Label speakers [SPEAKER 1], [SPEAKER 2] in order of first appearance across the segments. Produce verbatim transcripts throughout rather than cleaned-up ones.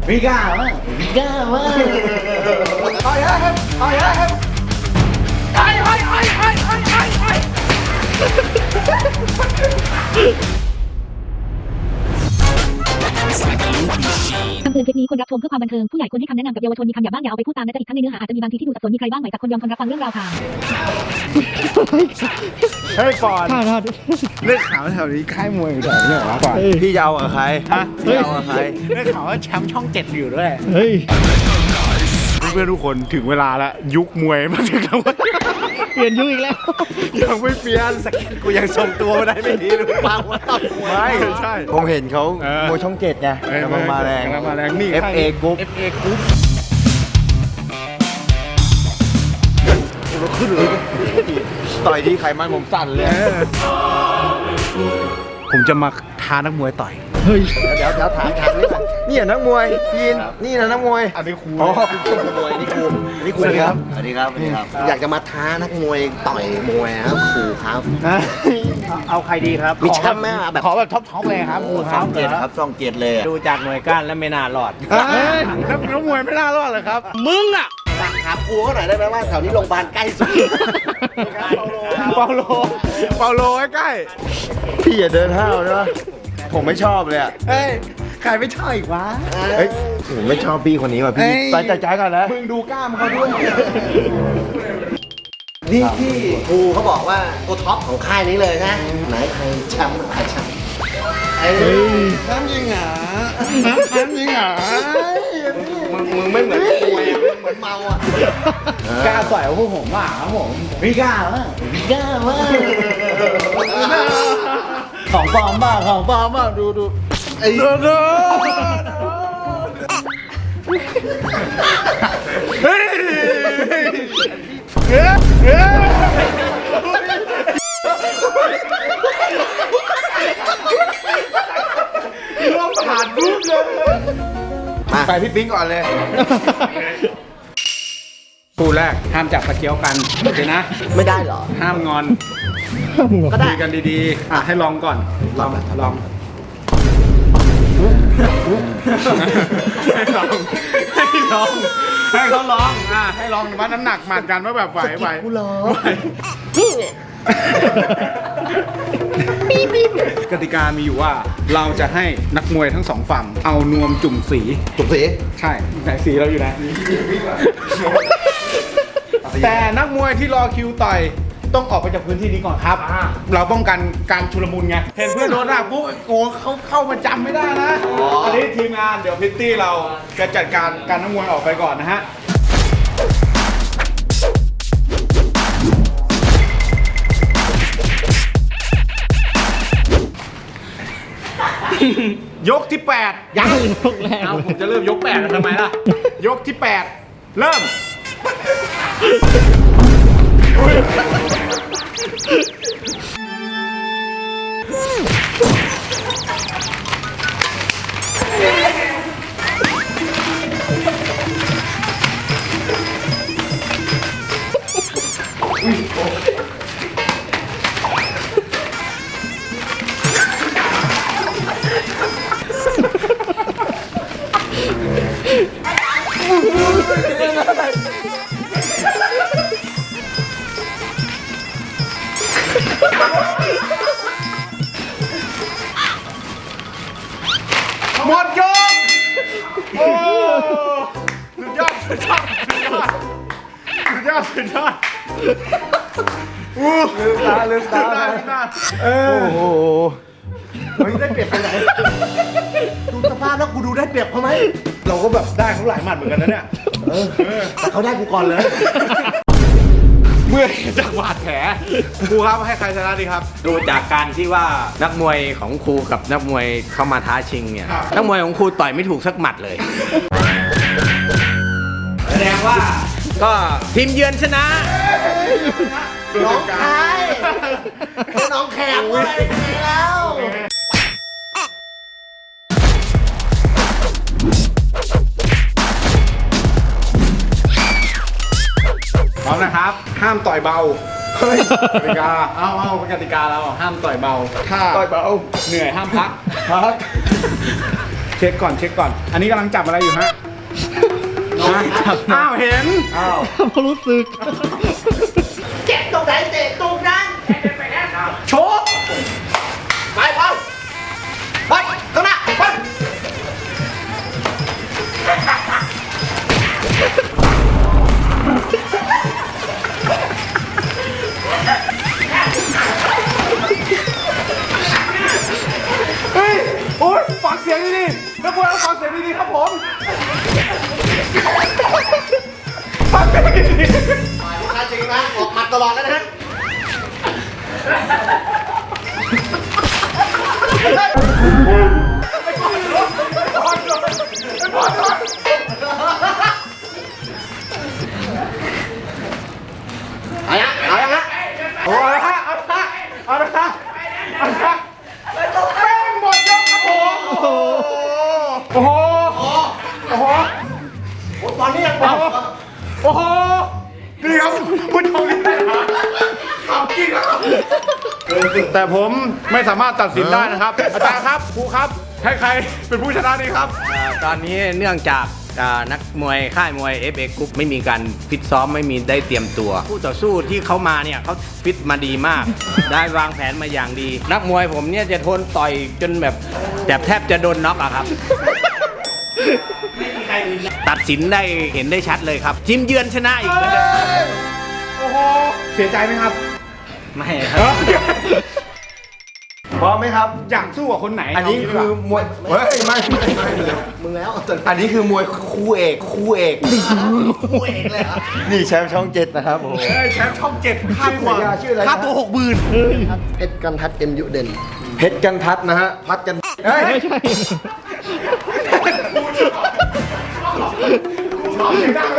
[SPEAKER 1] วิก้ามากวิก้ามากต่อยครับต่อยครับไอ้ไอ้ไอ้ไอ้ไอ้ไอ้ไอ้
[SPEAKER 2] คำเตือนคลิปนี้ควรรับชมเพื่อความบันเทิงผู้ใหญ่ควรให้คำแนะนำกับเยาวชนมีคำหยาบบ้างอย่าเอาไปพูดตามนะจ๊ะอีกทั้งในเนื้อหาอาจจะมีบางทีที่ดูสับสนมีใครบ้างไหมจากคนยอมคนรับฟังเรื่องราวค่ะ
[SPEAKER 1] เฮ้ยปอน
[SPEAKER 3] ท่าท่า
[SPEAKER 1] เรื่องข่าวแถวนี้ค่ายมวยอยู่แถวนี้เหรอปอน
[SPEAKER 4] พี่จะเอากับใคร
[SPEAKER 1] ฮะ
[SPEAKER 4] พี่จะเอากับใคร
[SPEAKER 1] เรื่องข่าวว่าแชมป์ช่องเจ็ดอยู่ด้วย
[SPEAKER 3] เฮ้ย
[SPEAKER 1] เพื่อนๆทุกคนถึงเวลาแล้วยุคมวยมาถึงแล้ว
[SPEAKER 3] เปลี่ยนยุคอีกแล้ว
[SPEAKER 1] ยังไม่เปลี่ยนสกิลกูยังทรงตัวไม่ได้ไม่ดีหรือเปล่าว่าต้องมวยไม่ใช่
[SPEAKER 4] ผมเห็นเขา
[SPEAKER 1] เออ
[SPEAKER 4] มวยช่องเจ็ดไง
[SPEAKER 1] เอ้ย
[SPEAKER 4] กำลังมาแรง
[SPEAKER 1] กำลังมาแรงนี่
[SPEAKER 4] เอฟ เอ Group
[SPEAKER 1] เอฟเอกรุ๊ป
[SPEAKER 4] ต่อยดีไขมันผมสั่นเลย
[SPEAKER 1] ผมจะมาท้านักมวยต่อย
[SPEAKER 3] เฮ้ย
[SPEAKER 4] เดี๋ยวเดี๋ยวถามถามนี่ก่อนนี่นักมวยพีนนี่นะนักมวย
[SPEAKER 1] อันนี้ครู
[SPEAKER 4] อ๋อคุณมวยนี่ครูนี่ครู
[SPEAKER 1] สวัสดีครับ
[SPEAKER 4] สวัสดีครับสวัสดีครับ อยากจะมาท้านักมวยต่อยมวยครับครูครับ
[SPEAKER 1] เอาใครดีครับ
[SPEAKER 4] มีแชมป์ไหมอะแบบ
[SPEAKER 1] ขอแบบท็อปท็อปเลยครับครูค
[SPEAKER 4] ช่
[SPEAKER 1] รั
[SPEAKER 4] อบ งเจ็ดครับช่องเจ็ดเลยอะ
[SPEAKER 5] ดูจากหน่วยก้านแล้วไม่น่ารอด
[SPEAKER 1] เฮ้ยนักนักมวยไม่น่ารอดเลยครับ มึงอ่ะ
[SPEAKER 4] ถามครูเขาหน่อยได้ไหมว่าแถวนี้โรงพยาบาลใกล้สุด
[SPEAKER 1] เปาโลเปาโลใกล้
[SPEAKER 4] พี่อย่าเดินห้าวนะผมไม่ชอบเลยอะ
[SPEAKER 1] ๆเฮ้ยใครไม่ชอบอีกวะ
[SPEAKER 4] เฮ้ยผมไม่ชอบพี่คนนี้ว่ะพี่
[SPEAKER 1] เอ้ย
[SPEAKER 4] ไปจัดใจกันแล้ว
[SPEAKER 1] มึงดูกล้ามเขาด้วย
[SPEAKER 4] นี่ที่ครูเขาบอกว่าตัวท็อปของค่ายนี้เลยนะไหนใครแชมป์ใครแชมป์ไอ้
[SPEAKER 1] น้ำยิงหรอน้ำยิงหรอ
[SPEAKER 4] มึงมึงไม่เหมือนมวยอะมึงเหมือนเมาอ่ะ
[SPEAKER 1] กล้าต่อยกับพวกผมว่าครับผมวิก้ามากวิก้ามากของปลอมบ้าของปลอมบ้าดูดูไอ้ดูดูเฮ้ยเฮ้ยเฮ้ยร่วมผ่านรูปเลยไปพี่ปิ๊งก่อนเลยคู่แรกห้ามจับตะเกียวกันโอเคนะ
[SPEAKER 4] ไม่ได้เหรอ
[SPEAKER 1] ห้ามงอน
[SPEAKER 4] ก็ได้
[SPEAKER 1] คุยกันดีๆ อ่ะให้ลองก่อน
[SPEAKER 4] ลอง
[SPEAKER 1] ลองให้ลองให้ลองให้เขาลองอ่ะให้ลองวัดน้ำหนักหมัดกันว่าแบบไหวไหว
[SPEAKER 4] กูรอ
[SPEAKER 1] ไหวกติกามีอยู่ว่าเราจะให้นักมวยทั้งสองฝั่งเอานวมจุ่มสี
[SPEAKER 4] จุกสี
[SPEAKER 1] ใช่ไหนสีเราอยู่ไหนแต่นักมวยที่รอคิวต่อยต้องออกไปจากพื้นที่นี้ก่อนครับ เราป้องกันการชุลมุนไง เห็นเพื่อนโดนหักปุ๊บโอ้เขาเข้ามาจำไม่ได้นะอันนี้ทีมงานเดี๋ยวพิตตี้เราจะจัดการการนักมวยออกไปก่อนนะฮะ ยกที่แปด
[SPEAKER 3] ยังยกแรก
[SPEAKER 1] เอา
[SPEAKER 3] เลย
[SPEAKER 1] ผมจะเริ่มยกแปดแล้วทำไมล่ะ ยกที่แปดเริ่ม หมดยกโอ้สุดยอดสุดยอดสุดยอดสุดยอดสุดยอดอู้ลืมตาลืมตาลืมตาเออ
[SPEAKER 4] โอ้โห
[SPEAKER 1] เฮ้ยได้เปรียบไปไหน
[SPEAKER 4] ดูสภาพแล้วกูดูได้เปรียบเขาไหม
[SPEAKER 1] เราก็แบบได้เขาหลายหมัดเหมือนกันนะเนี่ย
[SPEAKER 4] เออแต่เขาได้กูก่อนเลย
[SPEAKER 1] เมื่อเห็นจากบาดแผลครูครับให้ใครชนะดีครับ
[SPEAKER 5] ดูจากการที่ว่านักมวยของครูกับนักมวยเข้ามาท้าชิงเนี่ย
[SPEAKER 1] ครับ
[SPEAKER 5] นักมวยของครูต่อยไม่ถูกสักหมัดเลย แสดงว่าก็ทีมเยือนชนะ
[SPEAKER 4] น้องชายน้องแขกเว้ยแล้ว
[SPEAKER 1] พร้อมนะครับ ห้ามต่อยเบา เฮ้ยกติกา เอาเอาเป็นกติกาเราห้ามต่อยเบา ถ้า
[SPEAKER 4] ต่อยเบา
[SPEAKER 1] เหนื่อยห้ามพัก
[SPEAKER 4] พัก
[SPEAKER 1] เช็คก่อนเช็คก่อน อันนี้กำลังจับอะไรอยู่ฮะฮะอ้าวเห็น
[SPEAKER 4] อ้าว
[SPEAKER 3] เขารู้สึก
[SPEAKER 4] เจ็บตรงไหนเตะตรงนั้นโชกไปบอลบอลข้างหน้าบอล
[SPEAKER 1] เฮ้ย โอ๊ยฟังเสียงดีๆนักมวยฟังเสียงดีๆครับผมฟังเสียงดี
[SPEAKER 4] ต่อยลูกค้าจริงนะออกหมัดตลอดแล้วนะฮะเอาละเอาละฮะ
[SPEAKER 1] ๆโอ้เอาละฮะเอาละฮะเอาละฮะเอาละฮะแป้งหมดยกครับผม โอ้โห โอ้โห โอ้โห
[SPEAKER 4] โอ้ตอนนี้ยัง
[SPEAKER 1] โอ้โห โอ้โหนี่ครับผู้ชมนี่ขำจริงครับแต่ผมไม่สามารถตัดสินได้นะครับ อาจารย์ครับครูครับให้ใครเป็นผู้ชนะดีครับ
[SPEAKER 5] อ่าตอนนี้เนื่องจากอ่านักมวยค่ายมวย เอฟ เอ Group ไม่มีการฟิตซ้อมไม่มีได้เตรียมตัวคู่ต่อสู้ที่เขามาเนี่ยเขาฟิตมาดีมาก ได้วางแผนมาอย่างดี นักมวยผมเนี่ยจะทนต่อยจนแบบแบบแทบจะโดนน็อกอะครับ ตัดสินได้เห็นได้ชัดเลยครับทีมเยือนชนะอีกเหมือนเดิม
[SPEAKER 1] โอ้โห เสียใจไหมครับ
[SPEAKER 5] ไม่ครับ
[SPEAKER 6] พร้อมไหมครับ
[SPEAKER 1] อยากสู้กับคนไหน
[SPEAKER 6] อันนี้คือมวย เฮ้ย ไม่ไม่ไม่ไม่
[SPEAKER 4] มึงแล้ว
[SPEAKER 6] อันนี้คือมวยคู่เอก คู่เอก
[SPEAKER 4] คู่เอกเลยเหรอ
[SPEAKER 6] นี่แชมป์ช่องเจ็ดนะครับผม
[SPEAKER 1] เอ้ยแชมป์ช่องเจ็ดค่า
[SPEAKER 6] ชื่อ
[SPEAKER 1] ตัว
[SPEAKER 6] ฉายาชื่ออะไรนะ
[SPEAKER 1] ค่าตัวหกหมื่น
[SPEAKER 4] เพชรกันทัดเอ็มยุเด่น
[SPEAKER 6] เพชรกันทัดนะฮะ พัดกัน เฮ้ย
[SPEAKER 3] ไม่ใช่
[SPEAKER 1] ชอบเสียงดังเลย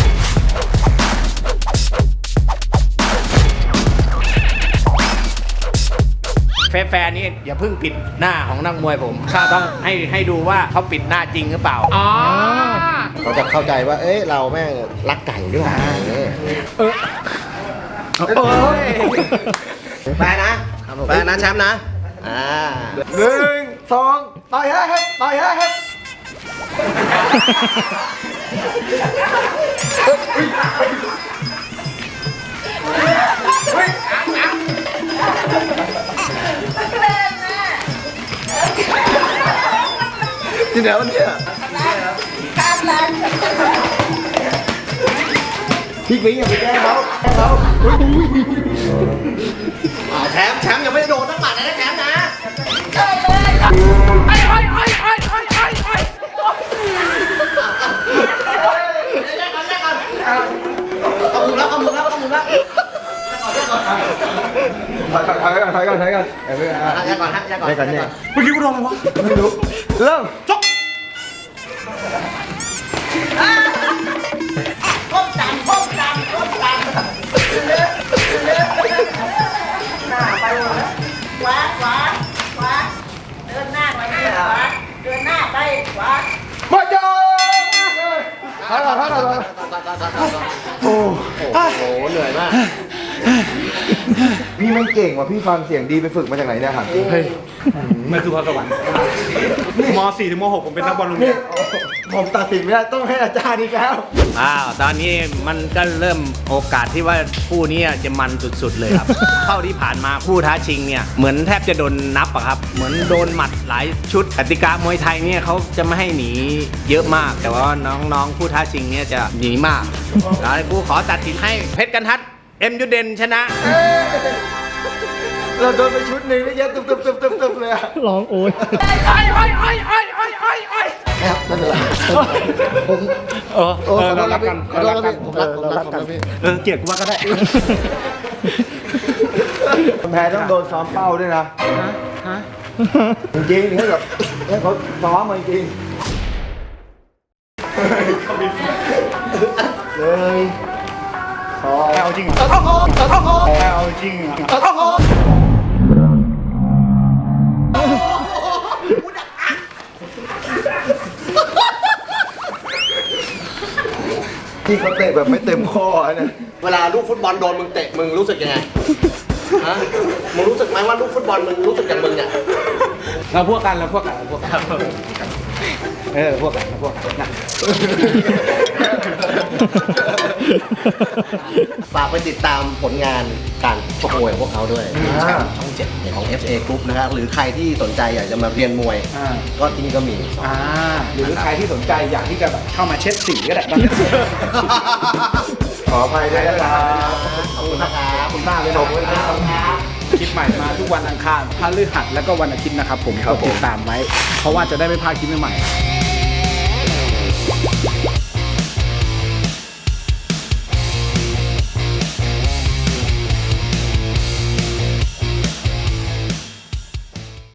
[SPEAKER 5] แฟร์ๆนี่อย่าเพิ่งปิดหน้าของนักมวยผมต้องให้ให้ดูว่าเขาปิดหน้าจริงหรือเปล่า
[SPEAKER 1] อ๋อ
[SPEAKER 4] เขาจะเข้าใจว่า เอ้ย เราแม่งรักไก่ด้วยเออ
[SPEAKER 1] โอ้ย
[SPEAKER 4] แปลนะแปลนะแชมป์นะ อ่า
[SPEAKER 6] หนึ่งสองต่อยฮะครับต่อยฮะครับ ที่ไหนวะเนี่ยพี่ปิ๊งอย่าไปแกล้งเขาแกล้งเขาอุ๊ย
[SPEAKER 4] อ่าแชมป์แชมป์ยังไม่ได้โดนตั้งหมัดเลยนะแชมป์นะเอามือแล้วเอามือแล้วเอามือแล้ว
[SPEAKER 6] ถอยก่อนถอยก่อนถอยก่อนเอ้ย
[SPEAKER 4] ยาก่อนฮะยาก่อน
[SPEAKER 6] ให้ก่อนเนี่ย
[SPEAKER 1] เมื่อกี้กูโดนอะไรวะ
[SPEAKER 6] ไม่รู้ เริ่ม
[SPEAKER 1] จบ
[SPEAKER 7] ก้มต่ำก้มต่ำก้มต่ำหน้าไปเลยขวาขวาขวาเดินหน้าไปขวาเดินหน้าไปขวา
[SPEAKER 6] หมดยกถอยก่อนถอยก่อนถอยก่อน
[SPEAKER 4] โอ้โหเหนื่อยมาก
[SPEAKER 6] พี่ไม่เก่งว่ะพี่ฟังเสียงดีไปฝึกมาจากไหนเนี่ยครับ
[SPEAKER 1] เฮ้ยไม่คือพรสวรรค์ม .สี่ ถึงม .หก ผมเป็นนักบอลโรงเรี
[SPEAKER 6] นี่
[SPEAKER 1] ยน
[SPEAKER 6] ผมตัดสินไม่ได้ต้องให้อาจารย์อีกแล้ว
[SPEAKER 5] อ้าวตอนนี้มันก็เริ่มโอกาสที่ว่าคู่นี้จะมันสุดๆเลยครับ เข้าที่ผ่านมาคู่ท้าชิงเนี่ยเหมือนแทบจะโดนนับอะครับ เหมือนโดนหมัดหลายชุดกติกามวยไทยเนี่ยเขาจะไม่ให้หนีเยอะมาก แต่ว่าน้องๆผู้ท้าชิงเนี่ยจะหนีมากแล้วกูขอตัดสินให้เพชรกันทัดเอ็มยูเดนชนะ
[SPEAKER 6] เราโดนไปชุดหนึ่งนี่เยอะตึ๊บตึ๊บตึ๊บตึ๊บตึ๊บเลยอะ
[SPEAKER 3] ร้องโอย
[SPEAKER 4] ครับไม่เป็นไรผม
[SPEAKER 1] เออ
[SPEAKER 4] โอ้
[SPEAKER 1] เอ
[SPEAKER 4] ข
[SPEAKER 1] อ
[SPEAKER 4] อโท
[SPEAKER 1] เรา
[SPEAKER 4] ษ
[SPEAKER 1] รั
[SPEAKER 4] นะ
[SPEAKER 1] ก
[SPEAKER 4] พี่
[SPEAKER 1] กัน
[SPEAKER 4] ขอโทษนะพี่ผมรักผมรักผมนะพี่
[SPEAKER 1] เออเกลียดกูว่าก็ได้
[SPEAKER 6] คนแพ้ต้องโดนซ้อมเป้าด้วยนะจริงๆให้แบบให้เขาซ้อมมาจริงเลยสอง
[SPEAKER 1] เอาจริงเหรอเอาจริงเหรอ
[SPEAKER 6] ที่เขาเตะแบบไม่เต็มข้อเนี่ย
[SPEAKER 4] เวลาลูกฟุตบอลโดนมึงเตะมึงรู้สึกยังไงฮะมึงรู้สึกไหมว่าลูกฟุตบอลมึงรู้สึกอย่างมึงเนี่ย
[SPEAKER 1] เราพวกกันเราพวกกันเราพวกกันเออพวกกันพวกกันนะ
[SPEAKER 4] ฝากไปติดตามผลงานการชกมวยของพวกเขาด้วย
[SPEAKER 6] อ่า
[SPEAKER 4] ช่องช่องเจ็ดของ เอฟ เอ Group นะครับหรือใครที่สนใจอยากจะมาเรียนมวย
[SPEAKER 1] อ่า
[SPEAKER 4] ก็ที่นี่ก็มี
[SPEAKER 1] อ่าหรือใครที่สนใจอยากที่จะแบบเข้ามาเช็ดสีก็ได้ตอนนี้
[SPEAKER 6] ขออภัยด้วยนะครับ
[SPEAKER 4] ขอบคุณนะครับ
[SPEAKER 1] ขอบคุณมากเลยนะ
[SPEAKER 6] ขอบคุณครับ
[SPEAKER 1] คลิปใหม่มาทุกวันอังคารพฤหัสแล้วก็วันอาทิตย์นะครับผม
[SPEAKER 6] ครับ
[SPEAKER 1] กดติดตามไว้ เพราะว่าจะได้ไม่พลาดคลิปใหม่ๆ